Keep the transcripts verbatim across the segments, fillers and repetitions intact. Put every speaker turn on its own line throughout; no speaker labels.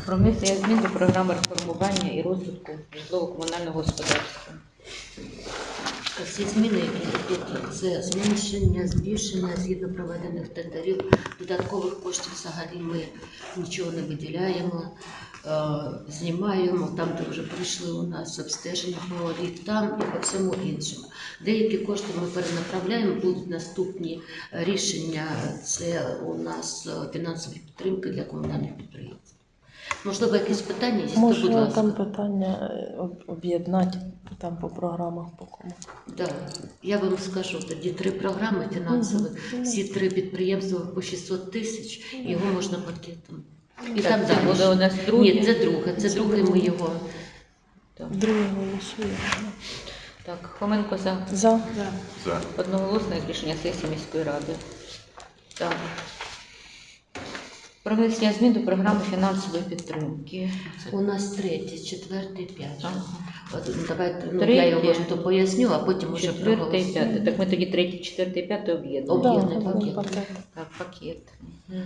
Про внесення змін до програми реформування і розвитку житлово-комунального господарства.
Всі зміни, які йдуть, це зменшення, збільшення згідно проведених тендерів, додаткових коштів взагалі ми нічого не виділяємо, е, знімаємо там, де вже прийшли у нас обстеження по ліфтам і по всьому іншому. Деякі кошти ми перенаправляємо, будуть наступні рішення, це у нас фінансові підтримки для комунальних підприємств. Можливо, якісь питання є?
Може,
будь ласка.
там питання об- об'єднати там по програмах, по кому.
Да. Я вам скажу, тоді три програми фінансові,
Мгм.
всі три підприємства по шістсот тисяч, його можна пакетом. І
Так,
там
це
далі.
буде у нас друге?
Ні, це друге, це друге ми його.
Так.
Друге голосуємо.
Так, Хоменко за.
За.
За.
Одноголосне рішення сесії міської ради. Так. Про внесення змін до програми фінансової підтримки.
У нас третє, четверте, п'яте.
Ага.
От, давайте, ну,
Третє,
я його ж то поясню, а потім уже
Четверте і
проголосуємо.
п'яте. Так ми тоді третє, четверте і п'яте об'єднуємо.
Об'єднуємо.
Да,
пакет.
пакет.
Так, пакет. Мгм.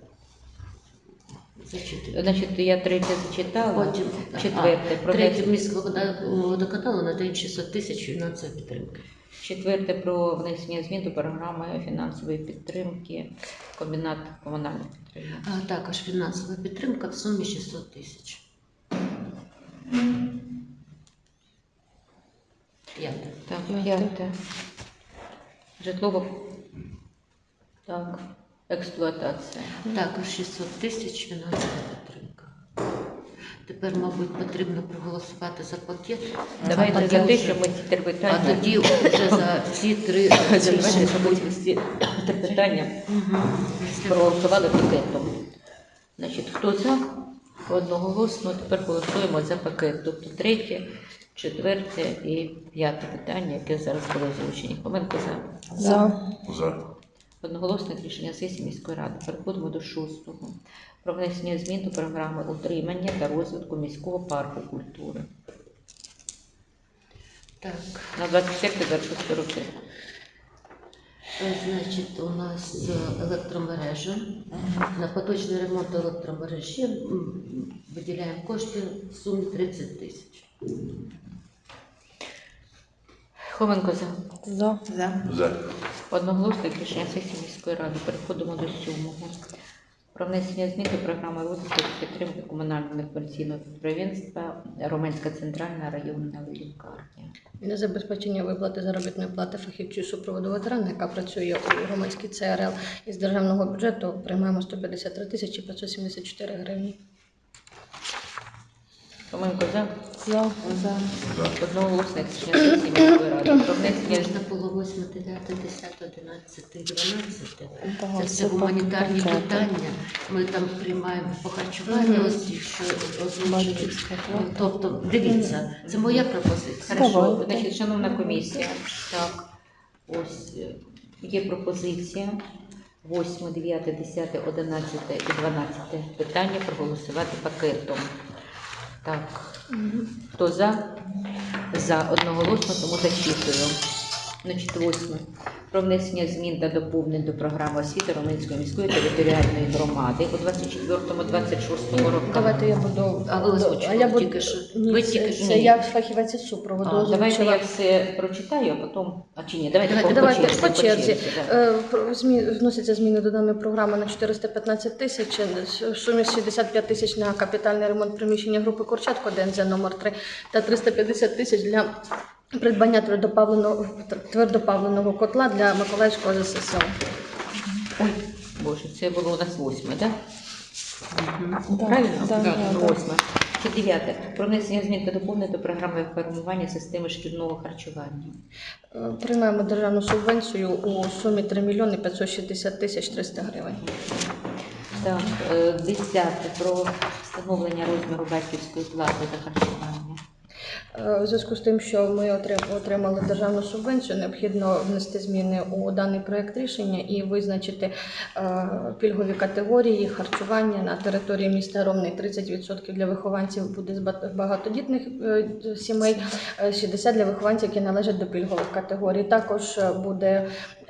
Зачитуйте.
Значить, я третє зачитала.
Потім
Четверте.
а,
Про
третє
внес-
міського водоканалу надаємо шістсот тисяч фінансової підтримки.
Четверте про внесення змін до програми фінансової підтримки комбінат комунальних підприємств.
А також фінансова підтримка в сумі шістсот тисяч. П'яте.
Так,
П'яте.
п'яте. Житлово. Так, експлуатація.
Також шістсот тисяч фінансова підтримка. Тепер, мабуть, потрібно проголосувати за пакет.
Давайте
а
за
тоді
те,
вже-
що ми ці три
А
питання.
тоді вже за всі три
Давайте,
рішення.
щоб ми ці три питання
Мгм.
проголосували пакетом. Значить, хто за? Одноголосно. Тепер голосуємо за пакет. Тобто третє, четверте і п'яте питання, яке зараз було озвучені. Хоменко за.
За.
За.
Одноголосне рішення сесії міської ради. Переходимо до шостого. Про внесення змін до програми утримання та розвитку міського парку культури.
Так,
На двадцять четверте двадцять шосте роки.
е, значить, у нас е, електромережа. На поточний ремонт електромережі м, виділяємо кошти в сумі тридцять тисяч.
Хоменко за.
За.
За.
Одноголосне рішення сесії міської ради. Переходимо до сьомого. Про внесення змін до програми розвитку та підтримки комунального некомерційного підприємства Роменська центральна районна лікарня.
Для забезпечення виплати заробітної плати фахівцю супроводу ветерана, яка працює у громадській Це Ер Ел, із державного бюджету приймаємо сто п'ятдесят три тисячі п'ятсот сімдесят чотири гривні.
Хоменко за.
За.
За.
Одноголосне рішення сесії міської ради. Про внесення
Можна було восьме, дев'яте, десяте, одинадцяте, дванадцяте.
Так,
Це все
це
гуманітарні
пакети.
питання. Ми там приймаємо по харчуванню,
Мгм.
ось ті, що озвучили.
Батьківська плата.
Тобто, дивіться, це моя пропозиція.
Хорошо,
Давайте.
значить, шановна комісія, так, ось е, є пропозиція восьме, дев'яте, десяте, одинадцяте і дванадцяте питання проголосувати пакетом. Так, хто за? За одноголосно, тому зачитую. Значить, восьме. Про внесення змін та доповнень до програми освіти Роменської міської територіальної громади у двадцять четвертому двадцять шостому роках.
Давайте я буду.
А ви озвучували
а я буду-
тільки що.
Ні,
Ви
це,
тільки
це
що.
я фахівець із супроводу.
А, давайте
озвучила.
я все прочитаю, а потім... А чи ні, давайте,
Давайте,
по,
Давайте
по черзі.
по черзі.
да.
Е, про- змі- Вносяться зміни до даної програми на чотириста п'ятнадцять тисяч, в сумі шістдесят п'ять тисяч на капітальний ремонт приміщення групи Курчатко, ДНЗ номер три, та триста п'ятдесят тисяч для придбання твердопаливного, твердопаливного котла для Миколаївського Зе Се Се О.
Ой, Боже, це було у нас восьме, так?
Да,
Правильно?
да,
Так,
да, да.
восьме. Це дев'яте. Про внесення змін та доповнень до програми формування системи шкільного харчування.
Е, Приймаємо державну субвенцію у сумі три мільйони п'ятсот шістдесят тисяч триста гривень.
Так, е, десяте. Про встановлення розміру батьківської плати за харчування.
Е, У зв'язку з тим, що ми отрим- отримали державну субвенцію, необхідно внести зміни у даний проект рішення і визначити е, пільгові категорії харчування на території міста Ромни. тридцять відсотків для вихованців буде з ба- багатодітних е, сімей, е, шістдесят відсотків для вихованців, які належать до пільгових категорій. Також е, буде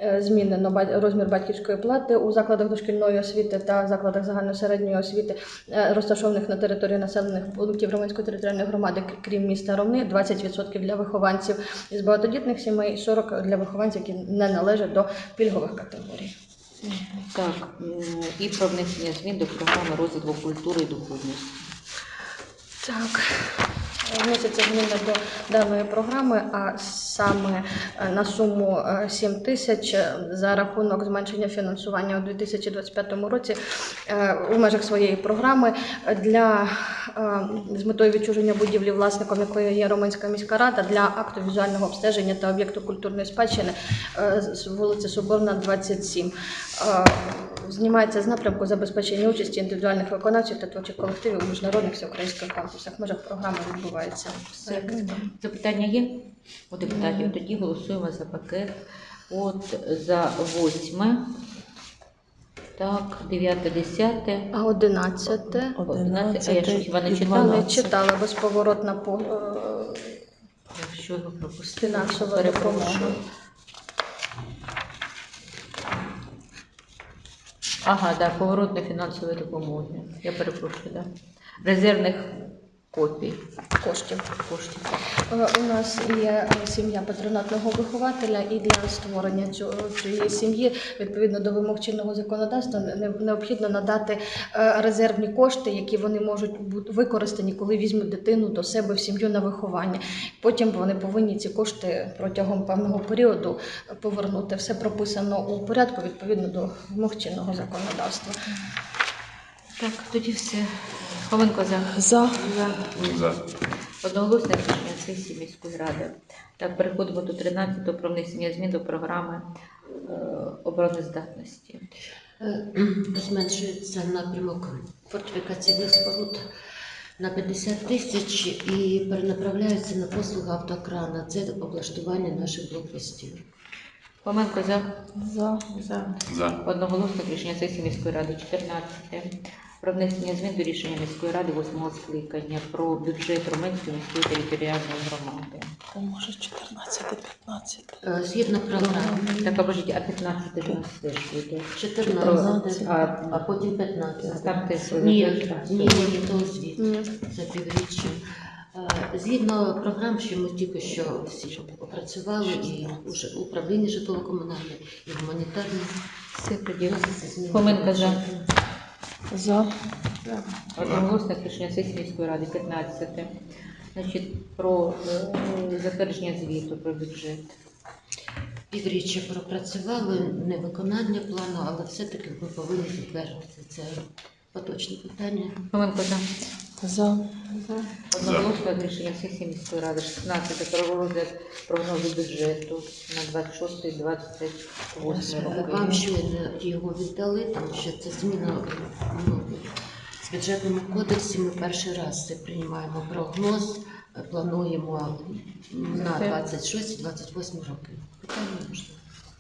е, змінено ба- розмір батьківської плати у закладах дошкільної освіти та закладах загальної середньої освіти, е, розташованих на території населених пунктів Романської територіальної громади, к- крім міста Ромни, двадцять відсотків для вихованців із багатодітних сімей, сорок відсотків для вихованців, які не належать до пільгових категорій.
Так, м, і про внесення змін до програми розвитку культури і духовності.
Так, вносяться зміни до даної програми, а саме е, на суму е, сім тисяч е, за рахунок зменшення фінансування у дві тисячі двадцять п'ятому році е, у межах своєї програми для е, з метою відчуження будівлі, власником якої є Романська міська рада, для акту візуального обстеження та об'єкту культурної спадщини е, з вулиці Соборна, двадцять сім. Е, Знімається з напрямку забезпечення участі індивідуальних виконавців та творчих колективів у міжнародних всеукраїнських конкурсах. В межах програми відбувається.
Все. Запитання є у депутатів? Тоді голосуємо за пакет. От за восьме, так, дев'яте, десяте,
А одинадцяте
одинадцяте, а я що хіба не
і
читала?
не
дванадцяте.
читала безповоротна по е,
Якщо його пропустили,
фінансова
перепрошую.
допомога.
Ага, да, поворотної фінансової допомоги. Я перепрошую, да. Резервних копій
Коштів.
коштів.
Е, У нас є е, сім'я патронатного вихователя, і для створення цю- цієї сім'ї, відповідно до вимог чинного законодавства, не- необхідно надати е, резервні кошти, які вони можуть бути використані, коли візьмуть дитину до себе в сім'ю на виховання. Потім вони повинні ці кошти протягом певного періоду повернути. Все прописано у порядку відповідно до вимог чинного законодавства.
Так, тоді все. Хоменко за.
За.
За. Одноголосне рішення сесії міської ради. Так, переходимо до тринадцятого про внесення змін до програми е, обороноздатності.
Е, Зменшується напрямок фортифікаційних споруд на п'ятдесят тисяч і перенаправляється на послуги автокрана. Це облаштування наших блокпостів.
Хоменко за.
За.
За.
Одноголосне рішення сесії міської ради. чотирнадцяте про внесення змін до рішення міської ради восьмого скликання про бюджет Романської міської територіальної громади.
Та може чотирнадцяте, п'ятнадцяте.
Е, Згідно програми
Так, а божіть, а п'ятнадцяте до нас теж буде.
чотирнадцяте,
А,
а потім п'ятнадцяте.
Ставте свою
Ні,
реєстрацію.
ні, ні, то звіт
Ні.
за півріччя. Е, Згідно програм, що ми тільки що всі опрацювали, і уже управління житлово-комунальне, і гуманітарне.
Все тоді.
вносяться зміни
Хоменко
до
за.
бюджету.
За.
Одноголосне рішення сесії міської ради. п'ятнадцяте. Значить, про е, затвердження звіту про бюджет.
Півріччя пропрацювали, не виконання плану, але все-таки ми повинні затвердити. Це поточне питання.
Хоменко за.
За.
Одноголосне рішення сесії міської ради. шістнадцяте про розгляд прогнозу бюджету на двадцять шостий двадцять восьмий роки.
Вам щойно його віддали, тому що це зміна ну, в бюджетному кодексі. Ми перший раз це приймаємо прогноз, плануємо на двадцять шостий двадцять восьмий роки. Питання можливо.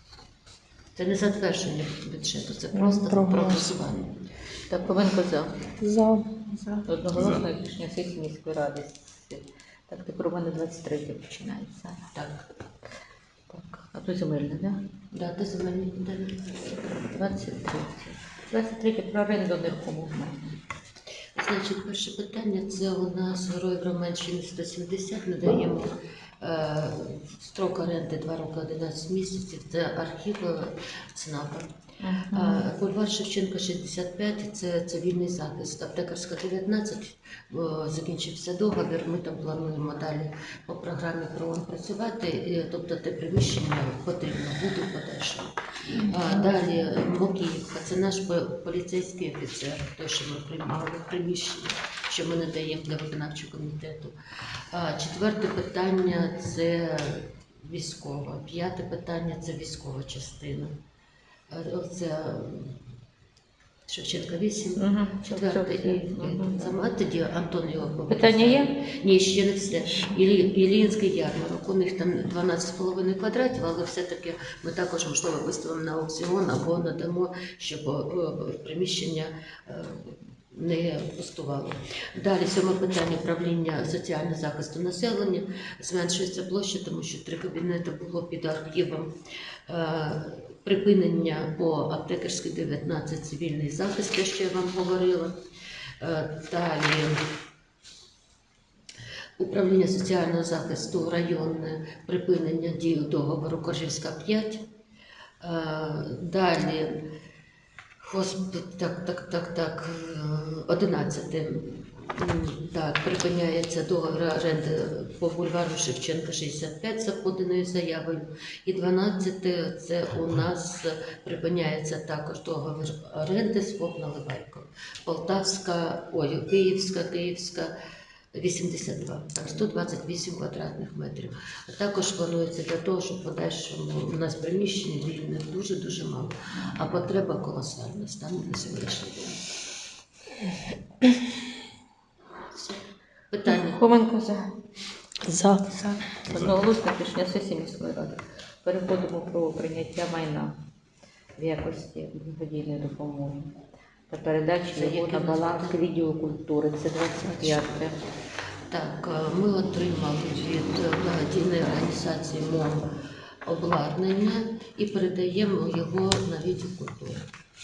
Це не затвердження бюджету, це просто
Прогноз.
прогнозування.
Так, Хоменко за.
За.
Одноголосне рішення сесії міської ради. Так, тепер у мене двадцять третє починається.
Так,
Так, а то земельне, да?
дата земельні питання.
двадцять третє. двадцять третє про оренду нерухомого майна.
Значить, перше питання це у нас Героїв Романщини сто сімдесят. Ми даємо е, строк оренди два роки одинадцять місяців. Це архів е, ЦНАПа. Е, Бульвар Шевченка шістдесят п'ять, це цивільний захист. Аптекарська дев'ятнадцять, е, закінчився договір. Ми там плануємо далі по програмі ПРООН працювати. е, Тобто те приміщення потрібно буде в подальшому. А далі Мокіївка, це наш по- поліцейський офіцер, той, що ми приймали в приміщення, що ми надаємо для виконавчого комітету. А четверте питання це військова. П'яте питання це військова частина. А Це Шевченка вісім.
Угу.
Четверте і сама тоді Антон його
Питання є?
Ні, ще не все. Ілі, Іллінський ярмарок. У них там дванадцять з половиною квадратів, але все-таки ми також, можливо, виставимо на аукціон або надамо, щоб е, приміщення е, не пустувало. Далі сьоме питання управління соціального захисту населення. Зменшується площа, тому що три кабінети було під архівом. Е, Припинення по аптекарській дев'ятнадцять цивільний захист, те, що я вам говорила. Е, Далі управління соціального захисту районне, припинення дії договору Коржівська п'ять. Е, Далі хосп... так, так, так, так, одинадцяте. Так, припиняється договір оренди по бульвару Шевченка шістдесят п'ять за поданою заявою. І дванадцяте це у нас припиняється також договір оренди з ФОП Наливайко. Полтавська, ой, Київська, Київська, вісімдесят два, так, сто двадцять вісім квадратних метрів. А також планується для того, щоб в подальшому у нас приміщень вільних дуже-дуже мало, а потреба колосальна стане на сьогоднішній день. Все. Питання?
Хоменко за.
За.
Одноголосне рішення сесії міської ради. Переходимо про прийняття майна в якості благодійної допомоги та передачі
Це
його
яке
на
у нас
баланс
питання?
відділу культури. Це двадцять п'яте.
Так, е, ми отримали від благодійної організації МОМ обладнання і передаємо його на відділ культури.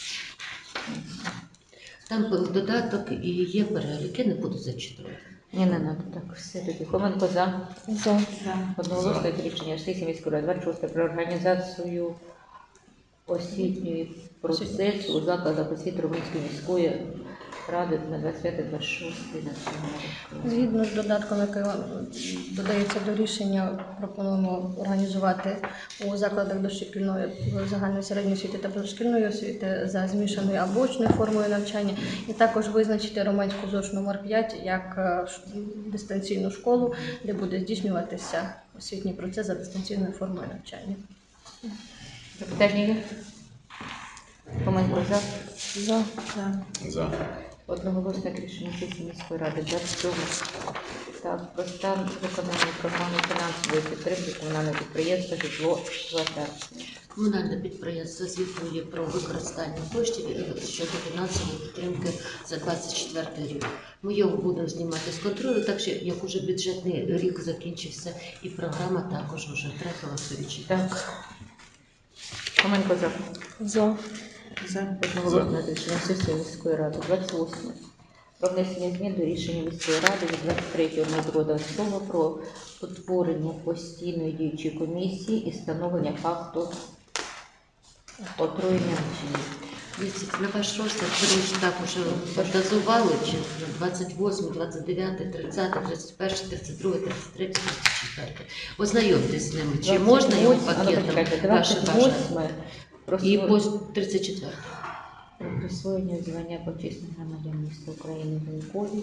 Там був додаток і є перелік, я не буду зачитувати.
Ні, не надо. Так, все тоді. Хоменко за.
За.
Одноголосне рішення сесії міської ради. двадцять шосте про організацію освітньої процесу у закладах освіти Румунської міської ради на двадцять п'яте двадцять шосте навчального року.
Згідно з додатком, який додається до рішення, пропонуємо організувати у закладах дошкільної загальної середньої освіти та позашкільної освіти за змішаною або очною формою навчання, і також визначити Романську ЗОШ номер п'ять як е, ш- дистанційну школу, де буде здійснюватися освітній процес за дистанційною формою навчання.
Запитання є? Хоменко за.
За.
За.
Одноголосне рішення сесії міської ради двадцять сьоме. Так, про стан виконання програми фінансової підтримки комунального підприємства «Житло експлуатація».
Комунальне підприємство звітує про використання коштів щодо фінансової підтримки за двадцять четвертий рік. Ми його будемо знімати з контролю, так що як уже бюджетний рік закінчився, і програма також вже втратила сторічі.
Так. Хоменко за.
За.
Одноголосне рішення сесії міської ради двадцять восьме. Про внесення змін до рішення міської ради від двадцять третього двадцятого про утворення постійної діючої комісії і встановлення факту отруєння вчинів.
Дивіться, на ваш розгляд ви ж так уже фантазували, чи двадцять восьме, двадцять дев'яте, тридцяте, тридцять перше, тридцять друге, тридцять третє, тридцять четверте. Ознайомтесь з ними, чи можна його пакетом, ваше
двадцять
бажання.
восьме. Про
І
сво-
по тридцять четверте.
про присвоєння звання почесних громадян міста України Гунькові.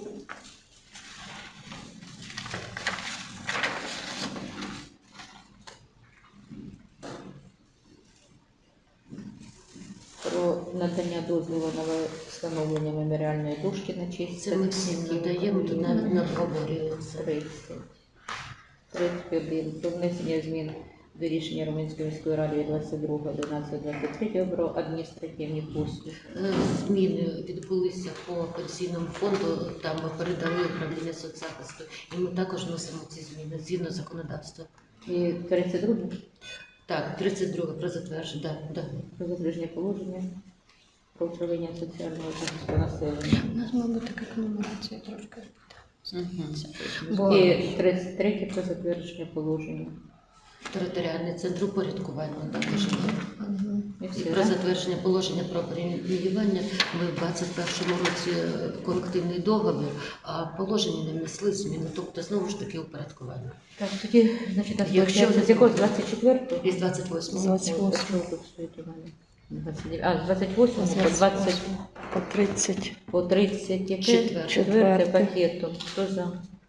Про надання дозволу на встановлення меморіальної дошки на честь
Це ми всім
захисників
надаємо, тут
України.
навіть не обговорюється.
тридцять. тридцять один. Про внесення змін до рішення Румунської міської ради від двадцять другого одинадцятого двадцять третього про адміністративні послуги.
Е, Зміни відбулися по пенсійному фонду, там ми передали управління соцзахисту, і ми також вносимо ці зміни згідно законодавства.
І тридцять друге
Так, тридцять друге про затвердження, да, да.
про затвердження положення про управління соціального захисту населення.
У нас, мабуть, така комунікація трошки.
Угу.
Бо-
І тридцять третє про затвердження положення.
Територіальний центр упорядкування також.
Мгм.
І
І
все,
про
да?
затвердження положення про преміювання ми в двадцять першому році е, колективний договір, а положення не внесли зміни, тобто знову ж таки упорядкування.
Так, тоді, значить, нас
Якщо
Якщо
не
з якого? З двадцять четвертого?
Із двадцять восьмого.
двадцять восьмого.
Що тут стоїть у мене? двадцять дев'яте. А, з двадцять восьмого по двадцять,
По тридцять.
по тридцять, яке?
Четверте.
Четверте
Четверте.
пакетом. Хто за?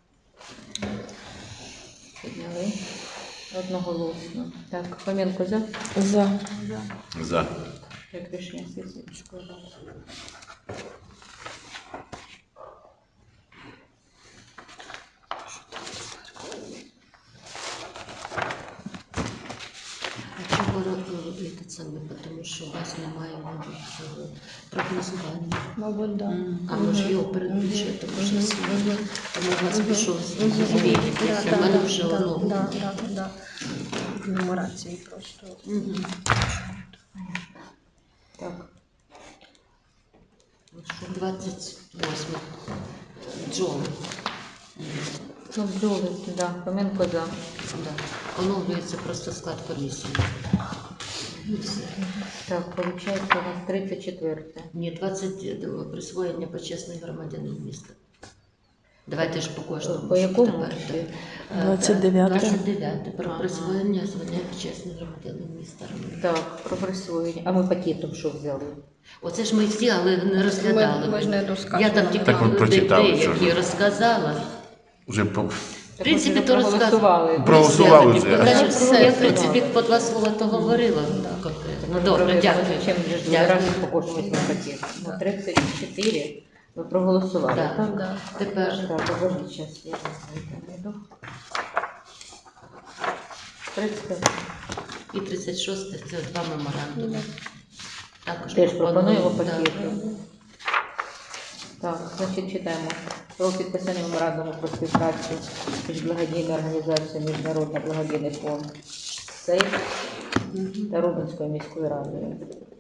Підняли. Одноголосно. Так, Хоменко за.
За.
За.
Як рішення сесії міської ради.
А чого ро- робити? самі, тому що у вас немає, мабуть, цього прогнозування.
Мабуть, да.
М, А може його перед
Мгм.
бюджетом вже
Мгм.
всі.
Мгм.
Тому у вас
Мгм.
пішов
Мгм.
збій.
Да,
У мене
да,
вже
да,
воно.
да, да, да. В нумерації просто.
Мгм.
Так.
двадцять восьме. Джон.
Ну, бджоли, да. Фоменко за.
Да. Оновлюється просто склад комісії. І все.
Так, виходить, у нас тридцять четверте.
Ні, двадцять до присвоєння почесний громадянин міста. Давайте ж по кожному.
По
щоб
якому
тепер,
ще?
так. Е,
двадцять дев'яте.
двадцять дев'яте. Про
Ага.
присвоєння звання почесний громадянин міста.
Так, про присвоєння. А ми пакетом що взяли?
Оце ж ми всі, але не розглядали.
Ми, ми ж не
Я
розказували.
там тільки
Так ви
де-
прочитали,
деякі
що?
розказала.
Вже по...
В принципі,
то
то
проголосували.
Проголосували
Я,
вже.
я, я,
Все,
я, в
все.
принципі, по два слова то говорила конкретно. Ну, добре, дякую.
Чим же ж
Дякую.
разом по кожному цьому пакету? Ну, тридцять чотири ви проголосували,
Так.
так?
Да.
Тепер
Так, обожди, зараз я знайду. тридцять.
і тридцять шосте це два меморандуми. Також
Теж пропонуємо
да.
пакетом. Так, значить читаємо. Про підписання меморандуму про співпрацю між благодійною організацією Міжнародний благодійний фонд «Сейф» та Рубенською міською радою.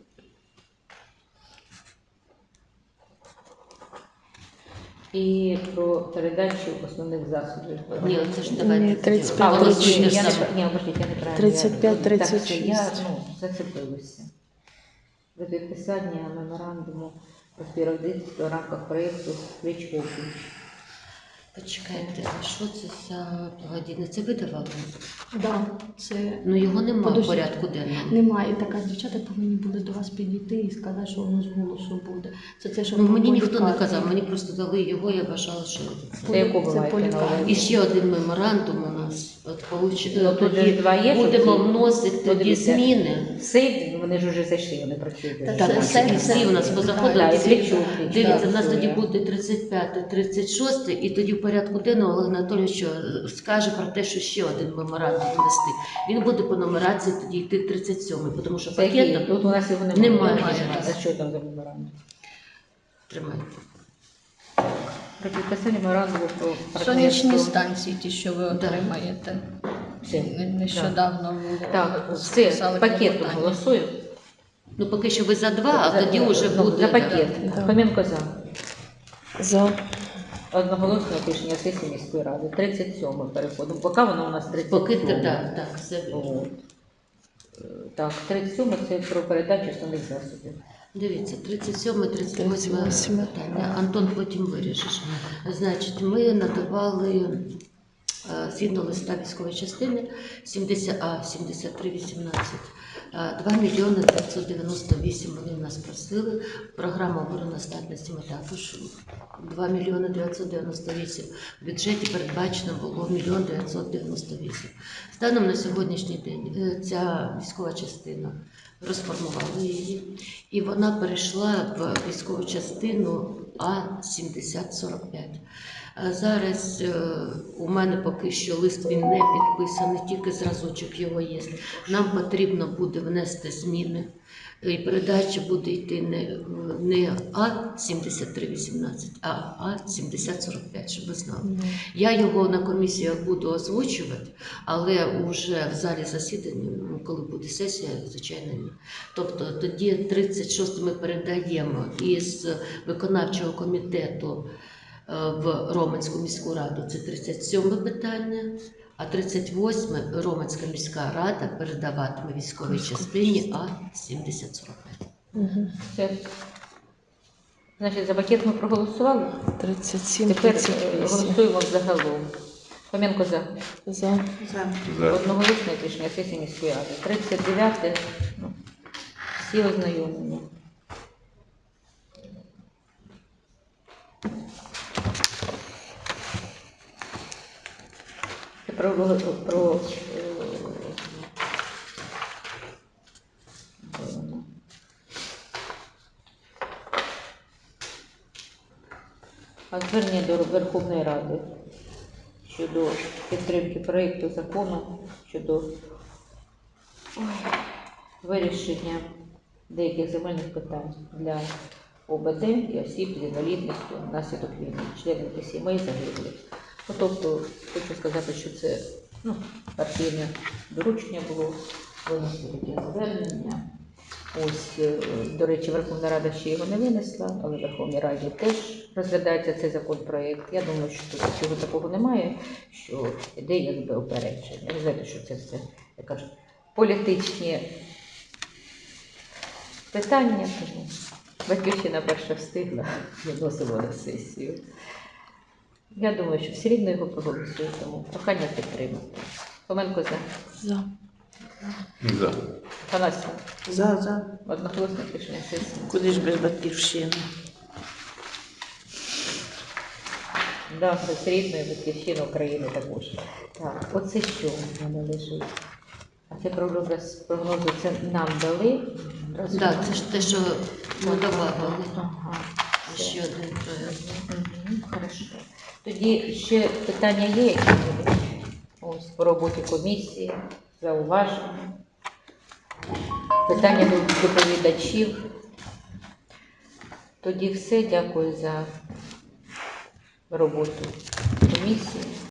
І про передачу основних засобів.
Ні, це ж давайте.
Ні, тридцять п'ять,
А,
Голосуйте
ні, я не,
саме.
ні, обождіть, я неправильно.
тридцять п'ять,
Я-
тридцять
так, це Я,
шість.
ну, зацепилася. До підписання меморандуму про співробітництво в рамках проєкту «Свіч Офіс».
Почекайте, а що це за благодійне? Це ви давали?
Да, це
Ну його немає в
Подожди.
порядку денному.
немає. Так, а дівчата повинні були до вас підійти і сказати, що воно з голосу буде. Це те, що
Ну,
по
мені ніхто не
лікарні.
казав, мені просто дали його, я вважала, що
Це яку ви
Це
маєте
по
на
лікарні.
увазі?
І ще один меморандум у нас. От получ...
Ну, тут же
тоді
ж два є, щоб
будемо
ті-
вносити
Ну,
тоді
дивіться.
зміни.
Сейф, вони ж вже зайшли, вони працюють.
Та
вже.
Так,
це
всі,
все-
всі
все-
у нас позаходили.
Так, і
Дивіться,
Свічук,
Дивіться,
так,
в нас тоді
працює.
буде тридцять п'яте, тридцять шосте, і тоді в порядку денного Олег Анатолійович е, скаже про те, що ще один меморандум внести. Він буде по нумерації тоді йти тридцять сьомий, тому що
Це які?
пакетом
Тут у нас його немає.
Немає.
Немає. А що там за меморандум?
тримайте.
Про підписання меморандуму про
Сонячні
партнерство.
станції, ті, що ви отримаєте.
Все.
Не- Нещодавно було.
Так,
ви
все,
писали
пакетом
клопотання.
голосуємо.
Ну поки що ви за два, а
За-
тоді вже
ну,
буде.
За пакет.
Да.
Фоменко за.
За.
Одноголосне рішення сесії міської ради. тридцять сьоме переходимо. Поки воно у нас тридцять
Поки
сьоме.
так, так, все вірно.
От. Е, Так, тридцять сьоме це про передачу основних засобів.
Дивіться, тридцять сьоме, тридцять восьме
тридцять восьме.
питання. Антон, потім вирішиш. Значить, ми надавали е, згідно листа військової частини сімдесят А сімдесят три вісімнадцять. два мільйони дев'ятсот дев'яносто вісім вони в нас просили. Програма обороноздатності ми також два мільйони дев'ятсот дев'яносто вісім. В бюджеті передбачено було мільйон дев'ятсот дев'яносто вісім. Станом на сьогоднішній день е, ця військова частина розформували її, і вона перейшла в військову частину А сімдесят сорок п'ять. А зараз е, у мене поки що лист він не підписаний, тільки зразочок його є. Нам потрібно буде внести зміни, і передача буде йти не, не А сімдесят три вісімнадцять, а А сімдесят сорок п'ять, щоб ви знали. Я його на комісіях буду озвучувати, але вже в залі засідання, ну, коли буде сесія, звичайно, ні. Тобто тоді тридцять шосте ми передаємо із виконавчого комітету е, в Роменську міську раду, це тридцять сьоме питання, а тридцять восьме Роменська міська рада передаватиме військовій частині А сімдесят сорок п'ять.
Угу.
Все. Значить, за пакет ми проголосували.
тридцять сім,
Тепер
тридцять
е,
вісім.
голосуємо загалом. Фоменко за.
За.
За.
Одноголосне рішення сесії міської ради. тридцять дев'яте. Ну, всі ознайомлені. Це Про, про, е, а звернення до Верховної Ради щодо підтримки проєкту закону щодо ой, вирішення деяких земельних питань для ОБД і осіб з інвалідністю внаслідок війни, членів і сімей загиблих. Ну, тобто, хочу сказати, що це ну, партійне доручення було винести таке звернення. Ось, е, до речі, Верховна Рада ще його не винесла, але в Верховній Раді теж розглядається цей законопроект. Я думаю, що тут нічого такого немає, що йде якби опередження. Ви знаєте, що це все, як кажуть, політичні питання. Тому Батьківщина перша встигла, виносимо на сесію. Я думаю, що все рівно його проголосують, тому прохання підтримати. Хоменко за.
За.
За.
Панасів.
За, за.
Одноголосно рішення сесії.
Куди ж без батьківщини?
Да, з рідної батьківщини України також. Так, оце що в мене лежить? А це прогноз, прогнози це нам дали? Роз-
Так, це ж те, що ми добавили.
Ага.
Ще один проект.
Мгм, хорошо. Тоді ще питання є які-небудь? Ось по роботі комісії, зауваження. Питання до доповідачів. Тоді все. Дякую за роботу комісії.